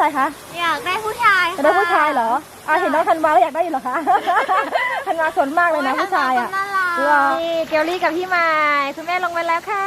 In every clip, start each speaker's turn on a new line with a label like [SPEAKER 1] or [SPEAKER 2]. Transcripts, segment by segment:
[SPEAKER 1] ายคะ
[SPEAKER 2] อยากได้ผู้ชาย
[SPEAKER 1] อยากได้ผู้ชายเหรอเห็นน้องธันวาแล้วอยากได้อยู่เหรอคะธันวาสนมากเลยนะผู้ชายนี่เกลลี่กับพี่ไม้คุณแม่ลงไปแล้วค่ะ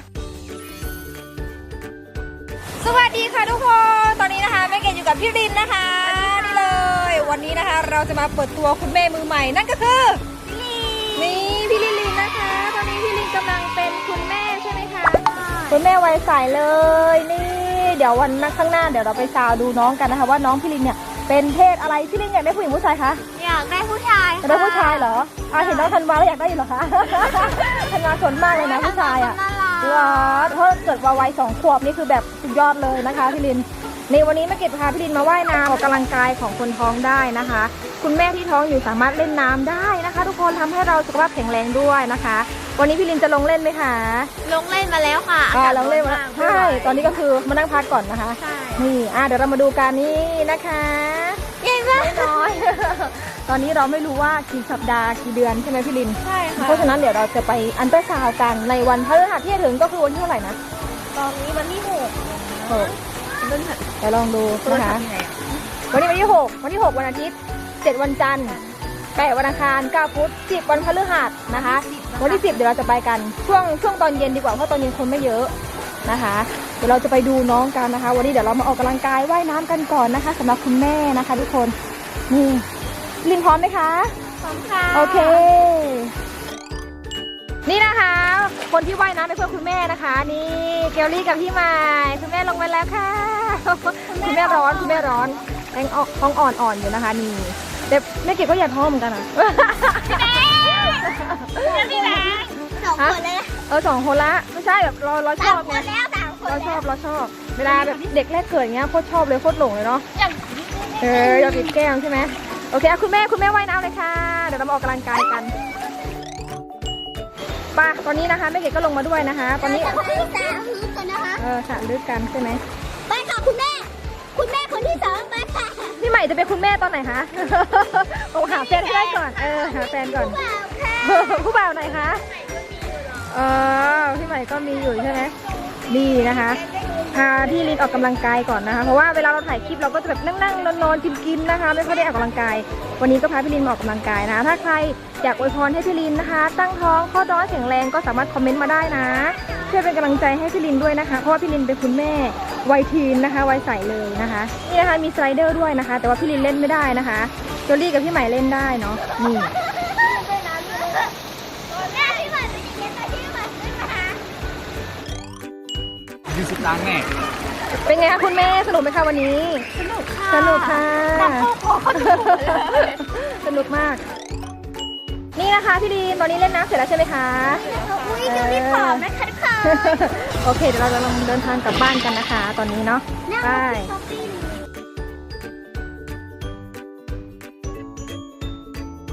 [SPEAKER 1] สวัสดีค่ะทุกคนตอนนี้นะคะแม่เกดอยู่กับพี่รินนะคะนี่เลยวันนี้นะคะเราจะมาเปิดตัวคุณแม่มือใหม่นั่นก็คือนี่พี่ลินนะคะตอนนี้พี่ลินกำลังเป็นคุณแม่ใช่ไหมคะคุณแม่วัยใสเลยนี่เดี๋ยววันข้างหน้าเดี๋ยวเราไปซาวดูน้องกันนะคะว่าน้องพี่ลินเนี่ยเป็นเพศอะไรพี่ลินอยากได้ผู้หญิงผู้ชายคะ
[SPEAKER 2] อยากได้ผู้ชาย
[SPEAKER 1] อยากได้ผู้ชายเหรอเห็นน้องธันวาแล้วอยากได้อยู่เหรอคะธันวาสนมากเลยนะผู้ชายว้าวเพราะเกิดวัย2 ขวบนี่คือแบบสุดยอดเลยนะคะพี่ลินในวันนี้แม่เกดพาพี่ลินมาว่ายน้ำออกกำลังกายของคนท้องได้นะคะคุณแม่ที่ท้องอยู่สามารถเล่นน้ำได้นะคะทุกคนทำให้เราสุขภาพแข็งแรงด้วยนะคะวันนี้พี่ลินจะลงเล่นไหมคะ
[SPEAKER 2] ลงเล่นมาแล้วค่ะ
[SPEAKER 1] ลงเล่นมาใช่ตอนนี้ก็คือมานั่งพักก่อนนะคะ
[SPEAKER 2] ใช่
[SPEAKER 1] นี่เดี๋ยวเรามาดูกันนี่นะคะ
[SPEAKER 2] ใหญ่มาก
[SPEAKER 1] น้อยตอนนี้เราไม่รู้ว่ากี่สัปดาห์กี่เดือนใช่ไหมพี่ลิน
[SPEAKER 2] ใช่ค่ะ
[SPEAKER 1] เพราะฉะนั้นเดี๋ยวเราจะไปอันเตอร์ซาวด์กันในวันพฤหัสที่จะถึงก็คือวันที่เท่าไหร่นะ
[SPEAKER 2] ตอนนี้วันที่6เ
[SPEAKER 1] ดี๋ยวลองดูนะคะวันนี้วันที่6วันอาทิตย์7วันจันทร์8วันอังคาร9พุธ10วันพฤหัสนะคะวันที่10เดี๋ยวเราจะไปกันช่วงตอนเย็นดีกว่าเพราะตอนเย็นคนไม่เยอะนะคะเดี๋ยวเราจะไปดูน้องกันนะคะวันนี้เดี๋ยวเรามาออกกำลังกายว่ายน้ำกันก่อนนะคะสำหรับคุณแม่นะคะทุกคนนี่ลินพร้อมไหมคะ
[SPEAKER 2] พร้อมค่ะ
[SPEAKER 1] โอเคนี่นะคะคนที่ว่ายน้ำเป็นเพื่อนคุณแม่นะคะนี่เกลลี่กับพี่ไม้คุณแม่ลงไปแล้วค่ะคุณแม่ร้อนแรงท้องอ่อนอยู่นะคะนี่แต่แม่เกดก็อยากท้องเหมือนกันอ่ะ
[SPEAKER 2] พี่แม่2 คนเลย
[SPEAKER 1] 2 คนละไม่ใช่แบบเราชอบไงเราชอบเวลาแบบเด็กแรกเกิดอย่างเงี้ยโคตรชอบเลยโคตรหลงเลยเนาะอยากติดแก้มใช่ไหมโอเคคุณแม่ว่ายน้ำเลยค่ะเดี๋ยวเรามาออกกำลังกายกันป่ะตอนนี้นะคะแม่เกดก็ลงมาด้วยนะคะตอนนี้
[SPEAKER 2] สระลึกกันนะคะ
[SPEAKER 1] สระลึกกันใช่ไหม
[SPEAKER 2] ไปค่ะคุณแม่คนที่2ไปค่ะ
[SPEAKER 1] พี่ใหม่จะเป็นคุณแม่ตอนไหนคะหาแฟนให้ได้ก่อนหาแฟนก่อนผู้บ่าวไหนคะพี่ใหม่ก็มีอยู่ใช่ไหมนี่นะคะพาพี่ลินออกกำลังกายก่อนนะคะเพราะว่าเวลาเราถ่ายคลิปเราก็จะแบบนั่งนอนกินนะคะไม่ค่อยได้ออกกำลังกายวันนี้ก็พาพี่ลินมาออกกำลังกายนะถ้าใครอยากอวยพรให้พี่ลินนะคะตั้งท้องข้อท้องแข็งแรงก็สามารถคอมเมนต์มาได้นะช่วยเป็นกำลังใจให้พี่ลินด้วยนะคะเพราะว่าพี่ลินเป็นคุณแม่วัยทีนนะคะวัยใสเลยนะคะนี่นะคะมีสไลเดอร์ด้วยนะคะแต่ว่าพี่ลินเล่นไม่ได้นะคะโจลี่กับพี่ใหม่เล่นได้เนาะนี่
[SPEAKER 3] 20 ล้านแน่
[SPEAKER 1] เป็นไงคะคุณแม่สนุกไหมคะวันนี้
[SPEAKER 2] สนุกค่ะ
[SPEAKER 1] สนุกมากนี่นะคะพี่ดีนตอนนี้เล่นน้ำเสร็จแล้วใช่ไหมคะ
[SPEAKER 2] อุ้ยจะรีบผอมนะคะทุกคน
[SPEAKER 1] โอเคเดี๋ยวเราจะลงเดินทางกลับบ้านกันนะคะตอนนี้เนาะไป